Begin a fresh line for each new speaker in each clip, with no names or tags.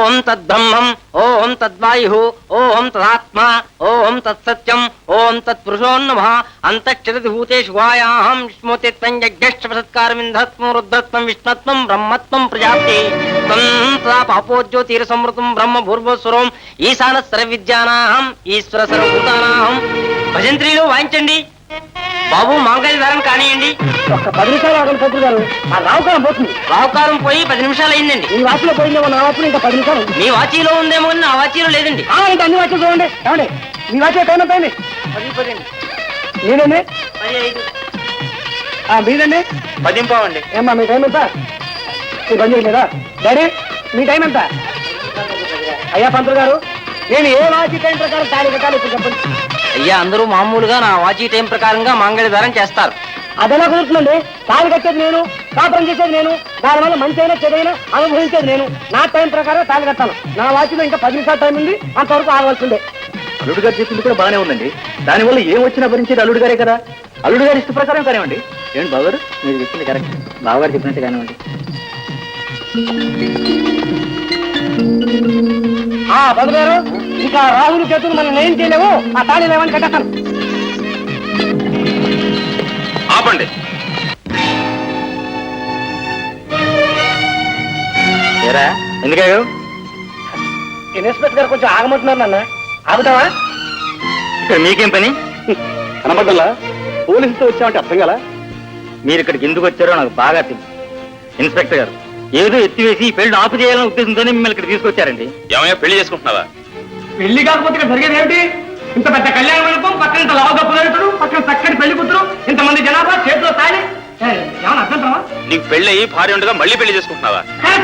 ఓం తద్బ్రహ్మం ఓం తద్వాయు ఓం తదాత్మ ఓం తత్సత్యం ఓం తత్పురుషోన్నమ అంతక్షరతి భూతేషు వాయాహం విష్ణుతిత్వం యజ్ఞశ్చసత్కారమింధత్వం రుద్రత్వం విష్ణత్వం బ్రహ్మత్వం ప్రజాప్తి త్వం తదా పాపోజ్యోతిర సంవృతం బ్రహ్మ భూర్భువస్వరం ఈశాన సర్వవిద్యానాహం ఈశ్వర సర్వభూతానాహం. భజంత్రీలు వాయించండి బాబు. మంగళధారం కానియండి.
ఒక్క 10 నిమిషాలు ఆగండి పంతులు గారు, ఆ రావుకాలం పోతుంది.
రావుకాలం పోయి 10 నిమిషాలు అయిందండి.
ఈ వాచిలో పోయిందేమో, నా వాచిలో ఇంకా 10 నిమిషాలు.
మీ వాచీలో ఉందేమో నా వాచీలో లేదండి.
ఇంకా అన్ని వాచీలు చూడండి. ఏమండి మీ వాచి టైం ఎంత అయింది?
10
మీదండి
15
మీదండి
10 పావండి.
ఏమ్మా మీ టైం ఎంత? మీరు పని చేయలేదా? డాడీ మీ టైం ఎంత? అయ్యా పంతులు గారు, నేను ఏ వాచి టైం ప్రకారం తాళి కట్టాలి ఇప్పుడు చెప్పండి.
అయ్యా అందరూ మామూలుగా నా వాచీ టైం ప్రకారంగా మంగళధారం చేస్తారు.
అదెలా కుదురుతుందండి? తాళి కట్టేది నేను, కాపురం చేసేది నేను, దానివల్ల మంచి అయినా చెడైనా అనుభవించేది నేను. నా టైం ప్రకారం తాళి కట్టాను. నా వాచిలో ఇంకా 10 నిమిషాలు టైం ఉంది, అంతవరకు ఆగవలసిందే.
అల్లుడు గారు చెప్పింది కూడా బాగానే ఉందండి. దానివల్ల ఏం వచ్చినా భరించేది అల్లుడు గారే కదా. అల్లుడు గారి ఇష్ట ప్రకారం కానివ్వండి. ఏంటి బావగారు, మీరు చెప్పింది కరెక్ట్. బావగారు చెప్పినట్టు కానివ్వండి.
పంతులు గారు, ఇంకా రాహుల్ చేతులు మనం ఏం చేయలేము. ఆ తాళి లేవని కట్టేస్తాను.
ఆపండి. ఏరా ఎందుకయ్యో?
ఇన్స్పెక్టర్ గారు కొంచెం ఆగమంటున్నారు నాన్న. ఆగుతావా?
ఇక్కడ మీకేం పని? కనబడ్డలా పోలీసుతో వచ్చామంటే అర్థం కదా. మీరు ఇక్కడికి ఎందుకు వచ్చారో నాకు బాగా తెలుసు. ఇన్స్పెక్టర్ గారు ఏదో ఎత్తివేసి ఈ పెళ్లి ఆపు చేయాలనే ఉద్దేశంతోనే మిమ్మల్ని ఇక్కడ తీసుకొచ్చారండి. ఏమయ్యా పెళ్లి చేసుకుంటున్నావా?
పెళ్లి కాకపోతే ఇక్కడ జరిగేది ఏమిటి? ఇంత పెద్ద కళ్యాణ మండపం, పక్కన ఇంత లావుగా పురోహితుడు, పక్కన చక్కటి పెళ్లి కూతురు, ఇంతమంది జనాభా, చేతిలో తాళి. ఏమన్నా అర్థం?
నీకు పెళ్లి అయ్యి భార్య ఉండగా మళ్ళీ పెళ్లి చేసుకుంటున్నావా?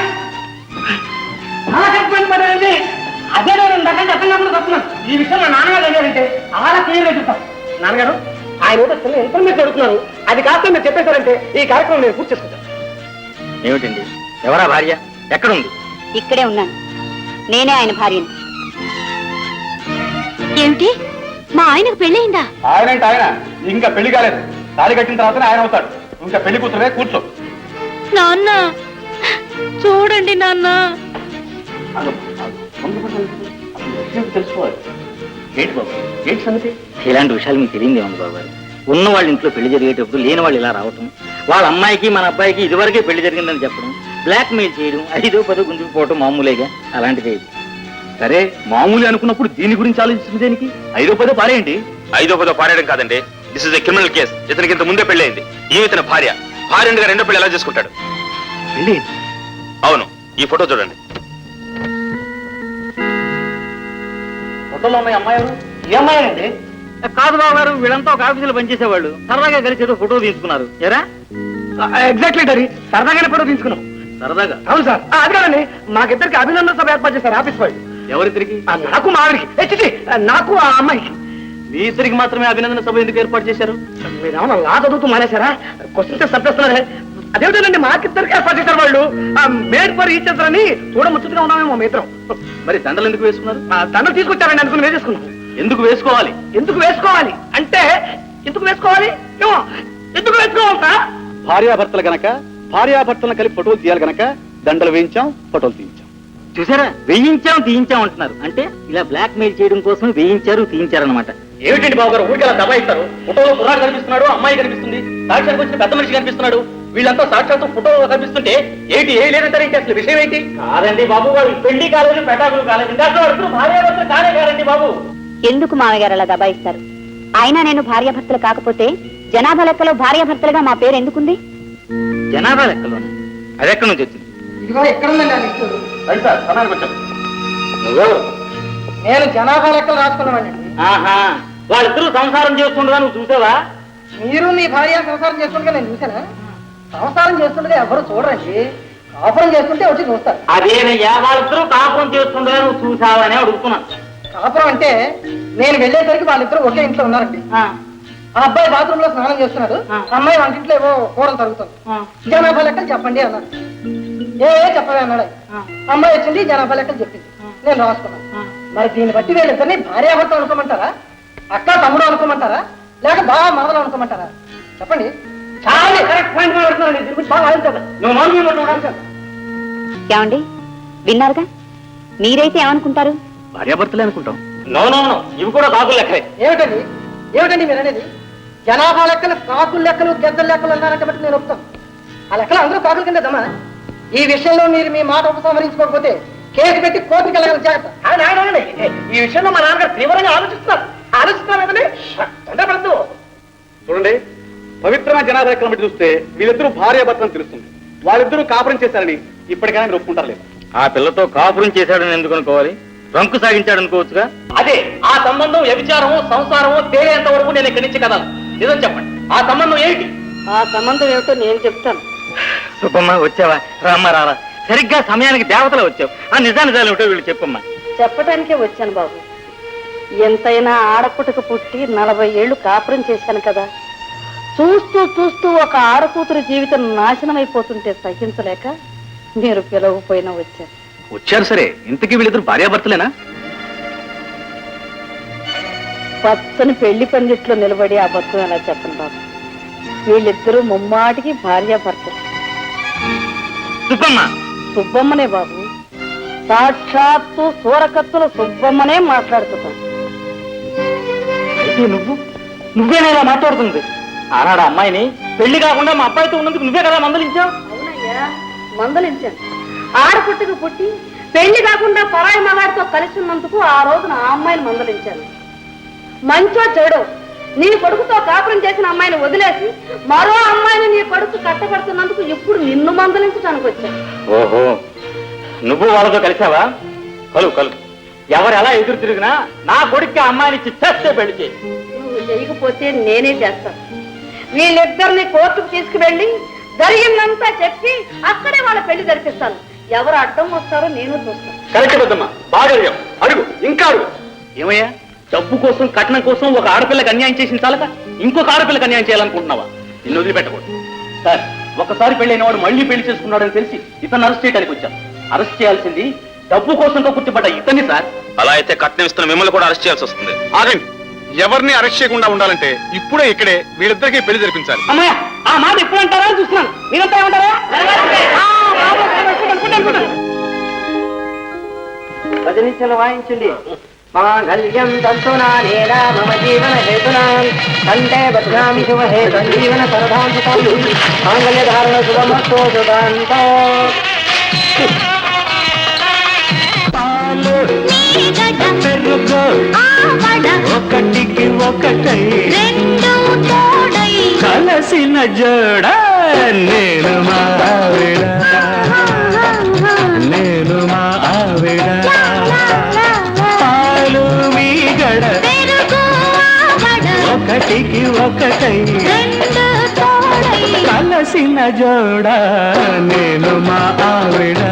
అదే నేను దగ్గర చెప్పినప్పుడు చెప్తున్నాను. ఈ విషయం మా నాన్నగారు అడిగారంటే అలా క్లియర్గా చెప్తాను. నాన్నగారు ఆయన ఏదో చిన్న ఇన్ఫర్మేషన్ అడుగుతున్నారు. అది కాస్త మీరు చెప్పేశారంటే ఈ కార్యక్రమం నేను పూర్తి చేసుకుంటాను.
ఏమిటండి? ఎవరా భార్య? ఎక్కడుంది?
ఇక్కడే ఉన్నాను. నేనే ఆయన భార్యని. ఏమిటి, మా ఆయనకు పెళ్ళయిందా?
ఆయనంటే ఆయన ఇంకా పెళ్లి కాలేదు. తాళి కట్టిన తర్వాతనే ఆయన అవుతాడు. ఇంకా పెళ్లి కూతురే. కూర్చో.
నాన్న చూడండి నాన్న.
తెలుసుకోవాలి. ఏంటి బాబు, ఏంటి సంగతి? ఇలాంటి విషయాలు మీకు తెలియదేమో బాబు గారు. ఉన్న వాళ్ళ ఇంట్లో పెళ్లి జరిగేటప్పుడు లేని వాళ్ళు ఇలా రావటం, వాళ్ళ అమ్మాయికి మన అబ్బాయికి ఇదివరకే పెళ్లి జరిగిందని చెప్పడం, బ్లాక్ మెయిల్ చేయడం, 5వ 10వ గుంజుకుపోవటం మామూలేగా. అలాంటిదే ఇది. సరే మామూలు అనుకున్నప్పుడు దీని గురించి ఆలోచించింది దేనికి? 5వ 10వ పారేయండి. 5వ 10వ పారేయడం కాదండి. This is a criminal case. ఇతనికి ఇంత ముందే పెళ్లి అయింది. ఇతని భార్య భార్యగా రెండో పెళ్లి ఎలా చేసుకుంటాడు? పెళ్లి? అవును. ఈ ఫోటో చూడండి.
ఫోటోలో ఉన్నాయి అమ్మాయి. ఏ అమ్మాయి అండి?
కాదు బాబు గారు, వీళ్ళంతా ఒక ఆఫీసులో పనిచేసేవాళ్ళు. సరదాగా కలిసి ఏదో ఫోటో తీసుకున్నారు. ఎరా
ఎగ్జాక్ట్లీ డాడీ, సరదాగానే ఫోటో తీసుకున్నాం.
సరదాగా?
అవును సార్. అది కాదండి, మాకిద్దరికి అభినందన సభ ఏర్పాటు చేశారు ఆఫీస్ వాళ్ళు.
ఎవరిద్దరికి?
నాకు మా ఆవిడికి, నాకు ఆ అమ్మాయికి.
మీ ఇద్దరికి మాత్రమే అభినందన సభ ఎందుకు ఏర్పాటు చేశారు?
మీరేమన్నా లా చదువుతూ మానేశారా? క్వశ్చన్స్ చంపేస్తున్నారే. అదేమిటండి, మాకిద్దరికి ఏర్పాటు చేశారు వాళ్ళు. మేడ్ ఫర్ ఈచ్ అదర్ అని చూడ ముచ్చటగా ఉన్నామేమో మీ ఇద్దరం.
మరి దండలు ఎందుకు వేసుకున్నారు?
దండలు తీసుకొచ్చారండి, అనుకుని వేసేసుకున్నాం.
ఎందుకు వేసుకోవాలి?
ఎందుకు వేసుకోవాలి అంటే ఎందుకు వేసుకోవాలి? ఏమో ఎందుకు వేసుకోవాలి సార్?
భార్యాభర్తలు గనక భార్యాభర్తలను కలిపి ఫోటోలు తీయాలి గనక దండలు వేయించాం, ఫోటోలు తీయించాం. చూసారా, వేయించాం తీయించాం అంటున్నారు. అంటే ఇలా బ్లాక్ మెయిల్ చేయడం కోసం వేయించారు తీయించారు అనమాట. ఏమిటండి బాబు గారు, ఊరికి అలా దబాయిస్తారు? ఫోటోలో కుర్రాడు కనిపిస్తున్నాడు, అమ్మాయి కనిపిస్తుంది, సాక్షాత్ వచ్చిన పెద్ద మనిషి కనిపిస్తున్నాడు. వీళ్ళంతా సాక్షాత్తు ఫోటోలో కనిపిస్తుంటే ఏంటి ఏ లేదంటారు? ఏంటి అసలు విషయం ఏంటి? కాదండి బాబు గారు, పెళ్లి కాలేదు, పెటాకులు కాలేదు, ఇంకా భార్యాభర్తలు కానే కాదండి బాబు.
ఎందుకు మామయ్య గారు అలా దబాయిస్తారు? అయినా నేను భార్యాభర్తలు కాకపోతే జనాభా లెక్కలో భార్యాభర్తలుగా మా పేరు ఎందుకుంది?
జనాభా లెక్కలో? అది ఎక్కడి నుంచి వచ్చింది?
ఇదిగో ఎక్కడుందండి ఆ లిస్టు.
నువ్వు?
నేను జనాభా లెక్కలు రాసుకున్నామండి.
ఆహా, వాళ్ళిద్దరూ సంసారం చేస్తుండగా నువ్వు చూసావా?
మీరు మీ భార్య సంసారం చేస్తుండగా నేను చూసానా? సంసారం చేస్తుండగా ఎవరు చూడరండి, కాపురం చేస్తుంటే వచ్చి చూస్తారు.
అదేనయ్యా, వాళ్ళిద్దరూ కాపురం చేస్తుండగా నువ్వు చూసావని అడుగుతున్నాను.
కాపురం అంటే నేను వెళ్ళేసరికి వాళ్ళిద్దరూ ఒకే ఇంట్లో ఉన్నారండి. ఆ అబ్బాయి బాత్రూమ్ లో స్నానం చేస్తున్నాడు, అమ్మాయి వంటింట్లో ఏవో కూరలు తరుగుతుంది. జనాభా లెక్కలు చెప్పండి అన్నాడు. చెప్పవే అన్నాడు. అమ్మాయి వచ్చింది, జనాభా లెక్కలు చెప్పింది, నేను రాసుకున్నాను. మరి దీన్ని బట్టి వీళ్ళిద్దరిని భార్యాభర్త అనుకోమంటారా, అక్క తమ్ముడు అనుకోమంటారా, లేక బాగా మరదలు అనుకోమంటారా? చెప్పండి. చాలా కరెక్ట్ పాయింట్ మాట్లాడుతున్నాను.
ఏమండి, విన్నారుగా? మీరైతే ఏమనుకుంటారు?
భార్యాభర్తలే అనుకుంటాం. నో నో నో, ఇవి కూడా కాకులు లెక్కలే.
ఏమిటండి ఏమిటండి మీరు అనేది? జనాభా లెక్కలు కాకుల లెక్కలు గెద్దల లెక్కలు అన్నారంటే బట్టి నేను ఒప్పుతాను. ఆ లెక్కలు అందరూ కాకుల కింద దమ్మా. ఈ విషయంలో మీరు మీ మాట ఉపసంహరించుకోకపోతే కేసు పెట్టి కోర్టుకి వెళ్ళగల జాగ్రత్త. ఈ విషయంలో మా నాన్నగారు తీవ్రంగా ఆలోచిస్తున్నారు కదండి. తొందరపడద్దు.
చూడండి, పవిత్రమైన జనాభా లెక్కలను బట్టి చూస్తే వీళ్ళిద్దరూ భార్యాభర్తలు తెలుస్తుంది. వాళ్ళిద్దరూ కాపురం చేశారని ఇప్పటికైనా మీరు ఒప్పుకుంటారు లేదు?
ఆ పిల్లతో కాపురం చేశాడని ఎందుకు అనుకోవాలి? రంకు సాగించాడు అనుకోవచ్చుగా.
అదే ఆ సంబంధం వ్యభిచారమో సంసారమో తేలేంత వరకు నేను ఇక్కడి నుంచి కదాను. నిజం చెప్పండి, ఆ సంబంధం ఏంటి?
ఆ సంబంధం ఏమిటో నేను చెప్తాను.
సుబ్బమ్మ వచ్చావా? రామ్మ రారా, సరిగ్గా సమయానికి దేవతలు వచ్చావు. ఆ నిజాలు ఏమిటో వీళ్ళు చెప్పమ్మా.
చెప్పడానికే వచ్చాను బాబు. ఎంతైనా ఆడపుటకు పుట్టి 40 ఏళ్లు కాపురం చేశాను కదా. చూస్తూ చూస్తూ ఒక ఆడకూతురు జీవితం నాశనం అయిపోతుంటే సహించలేక మీరు పిలవకపోయినా వచ్చారు.
వచ్చారు సరే, ఇంతకీ వీళ్ళిద్దరు భార్యాభర్తలేనా?
పచ్చని పెళ్లి పందిట్లో నిలబడి ఆ బతుకు ఎలా చెప్పను బాబు. వీళ్ళిద్దరూ ముమ్మాటికి భార్యాభర్తలు.
సుబ్బమ్మ
సుబ్బమ్మనే బాబు, సాక్షాత్తు సూరకత్తుల సుబ్బమ్మనే మాట్లాడుతున్నాను.
అయితే నువ్వేనా ఇలా మాట్లాడుతుంది? ఆనాడు అమ్మాయిని పెళ్లి కాకుండా మా అబ్బాయితో ఉన్నందుకు నువ్వే కదా మందలించావు?
అవునయ్యా, మందలించాను. ఆడపుట్టుకు పుట్టి పెళ్లి కాకుండా పరాయి మగాడితో కలిసి ఉన్నందుకు ఆ రోజున ఆ అమ్మాయిని మందలించాను. మంచో చెడో నీ కొడుకుతో కాపురం చేసిన అమ్మాయిని వదిలేసి మరో అమ్మాయిని నీ కొడుకు కట్టబడుతున్నందుకు ఇప్పుడు నిన్ను మందలించడానికి వచ్చాను.
ఓహో, నువ్వు వాళ్ళతో కలిసావా? కలు ఎవరు ఎలా ఎదురు తిరిగినా నా కొడుక్కి అమ్మాయిని చేస్తే పెళ్లి చేయి.
నువ్వు చేయకపోతే నేనే చేస్తాను. వీళ్ళిద్దరిని కోర్టుకు తీసుకువెళ్ళి జరిగిందంతా చెప్పి అక్కడే వాళ్ళ పెళ్లి జరిపిస్తాను. ఎవరు అడ్డం వస్తారో నేను చూస్తాను.
కరెక్ట్ పెద్దమ్మా, బాగా అడుగు, ఇంకా అడుగు.
ఏమయ్యా, డబ్బు కోసం కట్నం కోసం ఒక ఆడపిల్లకి అన్యాయం చేసిన చాలక ఇంకొక ఆడపిల్లకి అన్యాయం చేయాలనుకుంటున్నావా? నిన్ను వదిలిపెట్టకూడదు సార్. ఒకసారి పెళ్లి అయిన వాడు మళ్ళీ పెళ్లి చేసుకున్నాడని తెలిసి ఇతను అరెస్ట్ చేయడానికి వచ్చాం. అరెస్ట్ చేయాల్సింది డబ్బు కోసంతో గుర్తుపడ్డ ఇతన్ని సార్.
అలా అయితే కట్నం ఇస్తున్న మిమ్మల్ని కూడా అరెస్ట్ చేయాల్సి వస్తుంది. ఆగండి, ఎవరిని అరెస్ట్ చేయకుండా ఉండాలంటే ఇప్పుడే ఇక్కడే వీళ్ళిద్దరికీ పెళ్లి జరిపించాలి.
అమ్మాయ, ఆ మాట ఎప్పుడు అంటారా చూస్తున్నాను. మీరంతా ఏమంటారా?
భజనించలు వాయించండి. మాంగళ్యం తంతునా మమ జీవన హేతునా కంటే బధ్నామి శుభహే సంజీవన సరదాంతం మాంగళ్య ధారణ శుభమస్తో శుభాంతో.
ఒకటికి ఒకటై కలసిన జోడ నేను మా ఆవిడ, నేను మా ఆవిడ. పాలు మీగడ ఒకటికి ఒకటై కలసిన జోడ నేను మా ఆవిడ.